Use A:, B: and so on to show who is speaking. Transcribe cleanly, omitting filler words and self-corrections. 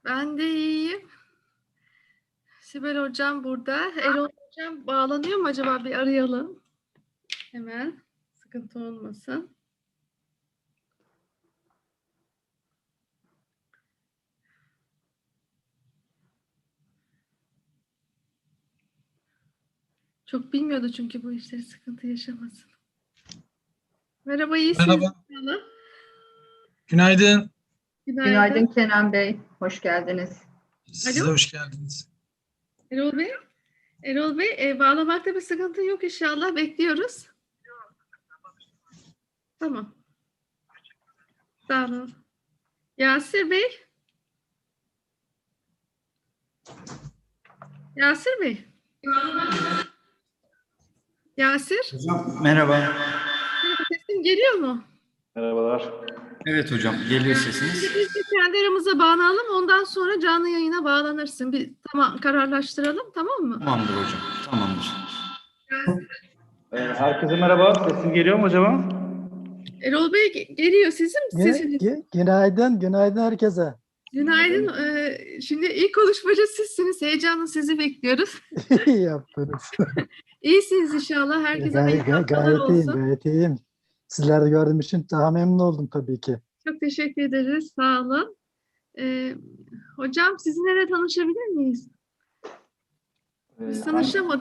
A: Ben de iyiyim. Sibel Hocam burada. Erol Hocam bağlanıyor mu acaba? Bir arayalım. Hemen. Sıkıntı olmasın. Çok bilmiyordu çünkü bu işleri, sıkıntı yaşamasın. Merhaba, iyisiniz
B: Merhaba.
A: inşallah.
B: Günaydın.
C: Günaydın Kenan Bey, hoş geldiniz.
B: Size
A: Alo.
B: hoş geldiniz.
A: Erol Bey. Erol Bey, bağlamakta bir sıkıntı yok inşallah. Bekliyoruz. Tamam. Sağ olun. Yasir Bey. Yasir Bey. Yasir.
D: Hocam merhaba.
A: Sesim geliyor mu?
E: Merhabalar.
D: Evet hocam, geliyor sesiniz.
A: Biz de kendi aramıza bağlanalım. Ondan sonra canlı yayına bağlanırsın. Bir tamam, kararlaştıralım, tamam mı?
D: Tamamdır hocam, tamamdır.
E: Herkese merhaba. Sesim geliyor mu acaba?
A: Erol Bey geliyor. Sizin sesiniz.
F: Günaydın herkese.
A: Günaydın. Şimdi ilk konuşmacı sizsiniz. Heyecanla sizi bekliyoruz.
F: İyi yaptınız.
A: İyisiniz inşallah. Herkese hayırlı haftalar
F: Gayet iyiyim,
A: olsun.
F: gayet iyiyim. Sizleri de gördüğüm için daha memnun oldum tabii ki.
A: Çok teşekkür ederiz. Sağ olun. Hocam sizinle de tanışabilir miyiz? Biz tanışamadık.